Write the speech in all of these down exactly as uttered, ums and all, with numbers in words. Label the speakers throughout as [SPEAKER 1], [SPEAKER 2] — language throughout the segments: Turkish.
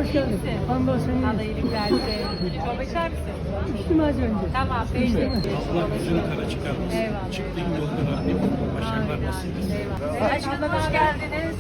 [SPEAKER 1] Hoş geldin. Hamdolsun.
[SPEAKER 2] Allah iyilik versin. Çorba içer misin?
[SPEAKER 1] İçtim az önce.
[SPEAKER 2] Tamam, peki.
[SPEAKER 3] Allah yüzünü kara çıkarmasın.
[SPEAKER 2] Eyvallah.
[SPEAKER 3] Çıktığın yolda Rabbim başarılar nasip etsin.
[SPEAKER 2] Eyvallah. Aşkım hoş geldiniz.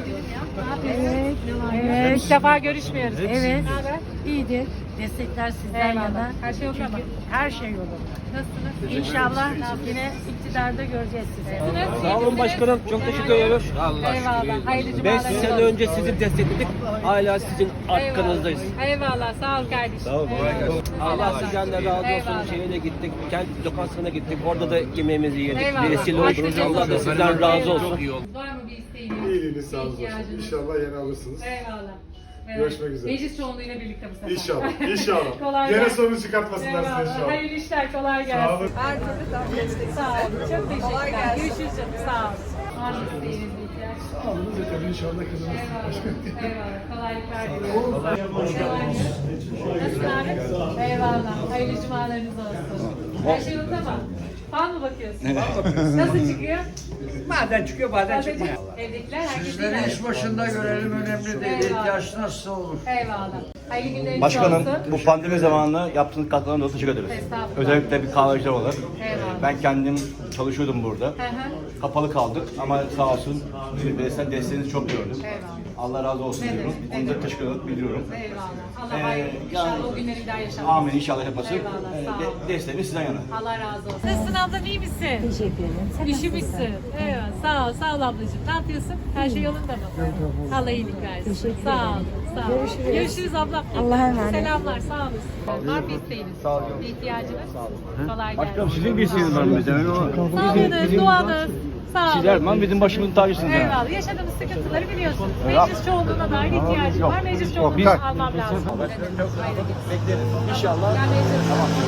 [SPEAKER 1] Evet.
[SPEAKER 2] Evet. İlk defa görüşmüyoruz.
[SPEAKER 1] Evet.
[SPEAKER 2] Ne haber?
[SPEAKER 1] İyidir. Destekler sizden
[SPEAKER 2] Eyvallah.
[SPEAKER 1] yana.
[SPEAKER 2] Her şey yok ama.
[SPEAKER 1] Her şey yolunda.
[SPEAKER 2] Nasılsınız?
[SPEAKER 1] İnşallah yine iktidarda göreceğiz sizi.
[SPEAKER 2] Nasılsınız?
[SPEAKER 4] Sağ olun başkanım. Çok teşekkür ediyoruz.
[SPEAKER 2] Eyvallah. Hayırlı
[SPEAKER 4] beş
[SPEAKER 2] cumalar.
[SPEAKER 4] sene önce sizi destekledik. Hala sizin arkanızdayız.
[SPEAKER 2] Eyvallah. Sağ ol kardeşim. Sağ ol.
[SPEAKER 4] Allah sizden de razı
[SPEAKER 2] Eyvallah.
[SPEAKER 4] olsun. Şeye de gittik. Kendi lokantasına gittik. Orada da yemeğimizi yedik.
[SPEAKER 2] Eyvallah.
[SPEAKER 4] Vesile
[SPEAKER 2] Başka
[SPEAKER 4] oldunuz.
[SPEAKER 2] şey
[SPEAKER 4] Allah da
[SPEAKER 2] yok.
[SPEAKER 4] sizden razı olsun.
[SPEAKER 2] Var mı bir isteğiniz?
[SPEAKER 5] İyiliğiniz sağ
[SPEAKER 2] bir
[SPEAKER 5] olsun.
[SPEAKER 2] ihtiyacınız?
[SPEAKER 5] İnşallah yeni alırsınız.
[SPEAKER 2] Eyvallah. Evet.
[SPEAKER 5] Görüşmek üzere.
[SPEAKER 2] Meclis çoğunluğuyla birlikte bu sefer.
[SPEAKER 5] İnşallah. İnşallah.
[SPEAKER 2] Kolay
[SPEAKER 5] Yine
[SPEAKER 2] gelsin.
[SPEAKER 5] sorun çıkartmasınlar size
[SPEAKER 2] Eyvallah.
[SPEAKER 5] inşallah.
[SPEAKER 2] Hayırlı işler, kolay gelsin.
[SPEAKER 5] Sağ olun.
[SPEAKER 2] Her türlü tam destek. Sağ olun. Çok teşekkürler. Görüşürüz canım. Sağ olun. Var mı isteğiniz bir ihtiyaç?
[SPEAKER 5] Sağolunuz yeter inşallah kazanırsınız.
[SPEAKER 2] Eyvallah. Eyvallah. Kolaylıklar diliyorum. Kolay gelsin. Nasılsın abi? Eyvallah. Hayırlı cumalarınız olsun. Her şey yolunda mı? Fal mı bakıyorsun? Nasıl çıkıyor?
[SPEAKER 6] Bazen çıkıyor bazen
[SPEAKER 2] Sadece
[SPEAKER 6] çıkmıyor.
[SPEAKER 2] evdekiler herkes
[SPEAKER 6] Sizleri
[SPEAKER 2] iyiler.
[SPEAKER 6] iş başında görelim önemli değil.
[SPEAKER 2] Eyvallah.
[SPEAKER 6] İhtiyaç nasıl olur?
[SPEAKER 2] Eyvallah. Hayırlı günleriniz
[SPEAKER 7] Başkanım,
[SPEAKER 2] olsun.
[SPEAKER 7] bu pandemi zamanında yaptığınız katkılarına dolayı teşekkür ederiz.
[SPEAKER 2] Estağfurullah.
[SPEAKER 7] Özellikle bir kahveciler olarak.
[SPEAKER 2] Eyvallah.
[SPEAKER 7] Ben kendim çalışıyordum burada.
[SPEAKER 2] Hı hı.
[SPEAKER 7] Kapalı kaldık ama sağ olsun bireysel desteğinizi çok gördüm.
[SPEAKER 2] Eyvallah.
[SPEAKER 7] Allah razı olsun
[SPEAKER 2] Ne
[SPEAKER 7] diyorum.
[SPEAKER 2] demek, ne
[SPEAKER 7] Onu da teşekkür ederim, biliyorum.
[SPEAKER 2] Eyvallah. Allah
[SPEAKER 7] Ee,
[SPEAKER 2] hayırlı. İnşallah
[SPEAKER 7] yani-
[SPEAKER 2] o günleri bir daha yaşamayız.
[SPEAKER 7] Amin inşallah yapasın.
[SPEAKER 2] Eyvallah,
[SPEAKER 7] Ee,
[SPEAKER 2] sağ
[SPEAKER 7] de-
[SPEAKER 2] ol.
[SPEAKER 7] desteğimiz sizden yana.
[SPEAKER 2] Allah razı olsun. Nasılsın ablam, iyi misin?
[SPEAKER 1] Teşekkür ederim. Sen
[SPEAKER 2] Üşümüşsün. Evet, sağ ol, sağ ol ablacığım. Ne yapıyorsun? Her şey yolunda mı? Allah iyilik versin.
[SPEAKER 1] Teşekkür
[SPEAKER 2] Sağ ol,
[SPEAKER 1] ederim.
[SPEAKER 2] sağ ol.
[SPEAKER 1] Görüşürüz.
[SPEAKER 2] Görüşürüz ablam.
[SPEAKER 1] Allah'a emanet.
[SPEAKER 2] Selamlar, sağ olasın. Var mı isteğiniz? Sağ olun. Bir ihtiyacınız? Kolay gelsin.
[SPEAKER 7] Sizin bir isteğiniz var mı bizden?
[SPEAKER 2] Sağlığınız, duanız. Sağ olun.
[SPEAKER 7] Sizler man bizim başımızın tacısınız. yani.
[SPEAKER 2] Eyvallah. Yaşadığımız sıkıntıları biliyorsun. Meclis çoğunluğuna dair ihtiyacım var. Meclis çoğunluğunu almam lazım. Bekleriz.
[SPEAKER 4] İnşallah.
[SPEAKER 2] Gelmeye çalışıyorum.